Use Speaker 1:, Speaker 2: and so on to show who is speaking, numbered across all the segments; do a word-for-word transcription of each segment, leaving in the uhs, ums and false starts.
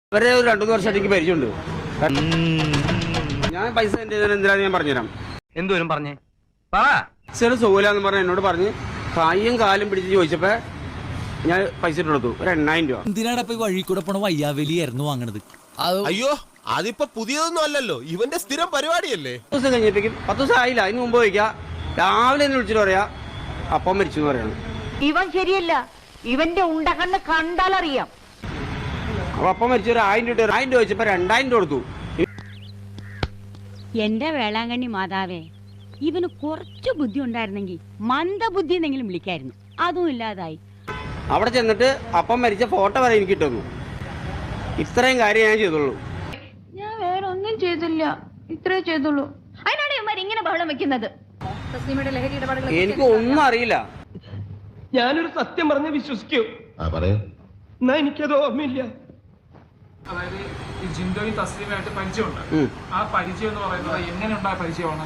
Speaker 1: ഇവരെ ഒരു രണ്ടു മൂന്ന് വർഷമായിട്ട് എനിക്ക് പരിചയമുണ്ട്. ഞാൻ പൈസ എന്റെ എന്തിനാന്ന് ഞാൻ പറഞ്ഞുതരാം.
Speaker 2: എന്തോരും പറഞ്ഞേ
Speaker 1: ചെറു സുഖമില്ലാന്ന് പറഞ്ഞ എന്നോട് പറഞ്ഞ് കൈയും കാലും പിടിച്ച് ചോദിച്ചപ്പോ ഞാൻ പൈസ ഇട്ട് കൊടുത്തു, ഒരു എണ്ണായിരം രൂപ.
Speaker 3: എന്തിനാണ് ഇപ്പൊ വഴി കൂടെ പോണ വയ്യാവലിയായിരുന്നു വാങ്ങണത്?
Speaker 4: അയ്യോ അതിപ്പോ പുതിയതൊന്നും അല്ലല്ലോ, ഇവന്റെ സ്ഥിരം പരിപാടിയല്ലേ.
Speaker 1: പത്ത് ദിവസം കഴിഞ്ഞപ്പോഴേക്കും പത്ത് ദിവസം ആയില്ല, അതിന് മുമ്പ് ചോദിക്കാ രാവിലെ എന്നെ വിളിച്ചിട്ട് പറയാ അപ്പം മരിച്ചു എന്ന് പറയാണ്.
Speaker 5: ഇവൻ ശരിയല്ല, ഇവന്റെ ഉണ്ടകണ്ണ് കണ്ടാലറിയാം.
Speaker 1: അപ്പൊ അപ്പം മരിച്ചു ഒരു ആയിരം രൂപ ആയിരം രൂപ ചോദിച്ചപ്പോ രണ്ടായിരം രൂപ കൊടുത്തു.
Speaker 6: എന്റെ വേളാങ്കണ്ണി മാതാവേ, ഇവന് കുറച്ചു ബുദ്ധി ഉണ്ടായിരുന്നെങ്കിൽ മന്ദബുദ്ധി എന്നെങ്കിലും വിളിക്കായിരുന്നു. അതും ഇല്ലാതായി.
Speaker 1: അവിടെ ചെന്നിട്ട് അപ്പം മരിച്ച ഫോട്ടോ വരെ എനിക്ക് കിട്ടുന്നു. ഇത്രയും കാര്യം ഞാൻ ചെയ്തുള്ളൂ.
Speaker 7: ഞാൻ വേറെ ഒന്നും ചെയ്തില്ല, ഇത്രേ ചെയ്തുള്ളൂ. അതിനാണ് ഇവന്മാർ ഇങ്ങനെ ബഹളം വെക്കുന്നത്.
Speaker 1: എനിക്ക് ഒന്നും അറിയില്ല.
Speaker 2: ഞാനൊരു സത്യം പറഞ്ഞ് വിശ്വസിക്കൂ. എന്നാ എനിക്കത് ഓർമ്മയില്ല.
Speaker 8: അതായത് ഈ ജിൻഡോയും തസ്ലീമായിട്ട് പരിചയമുണ്ട്. ആ പരിചയം എന്ന് പറയുന്നത് എങ്ങനെ ഉണ്ടായ പരിചയമാണ്?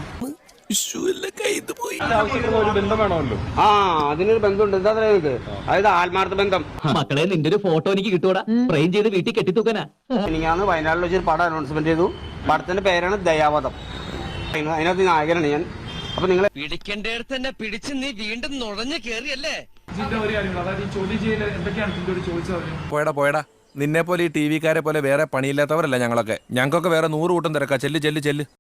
Speaker 1: ആ അതിനൊരു ബന്ധമുണ്ട്. എന്താ പറയുന്നത്? അതായത് ആത്മാർത്ഥ ബന്ധം.
Speaker 3: മക്കളെ നിന്റെ ഒരു ഫോട്ടോ എനിക്ക് കിട്ടൂടാ, ഫ്രെയിം ചെയ്ത് വീട്ടിൽ കെട്ടിത്തൂക്കനാ.
Speaker 1: എനിക്കാണ് വയനാട്ടിൽ വെച്ചൊരു പടം അനൗൺസ്മെന്റ് ചെയ്തു. പടത്തിന്റെ പേരാണ് ദയാവധം. അതിനകത്ത് നായകനാണ് ഞാൻ. അപ്പൊ നിങ്ങൾ
Speaker 9: പിടിക്കേണ്ടടുത്ത് തന്നെ പിടിച്ച് നീ വീണ്ടും നുഴഞ്ഞു കേറിയല്ലേ?
Speaker 8: ജിൻഡോ ഒരു കാര്യങ്ങൾ, അതായത് ഈ ചോദ്യം ചെയ്യൽ എന്തൊക്കെയാണ് ജിൻഡോട് ചോദിച്ചത്?
Speaker 4: പോയടാ പോയടാ, നിന്നെ പോലെ ഈ ടി വിക്കാരെ പോലെ വേറെ പണിയില്ലാത്തവരല്ല ഞങ്ങളൊക്കെ. ഞങ്ങൾക്കൊക്കെ വേറെ നൂറ് കൂട്ടം തിരക്കാ. ചെല്ല് ചെല്ല് ചെല്ല്.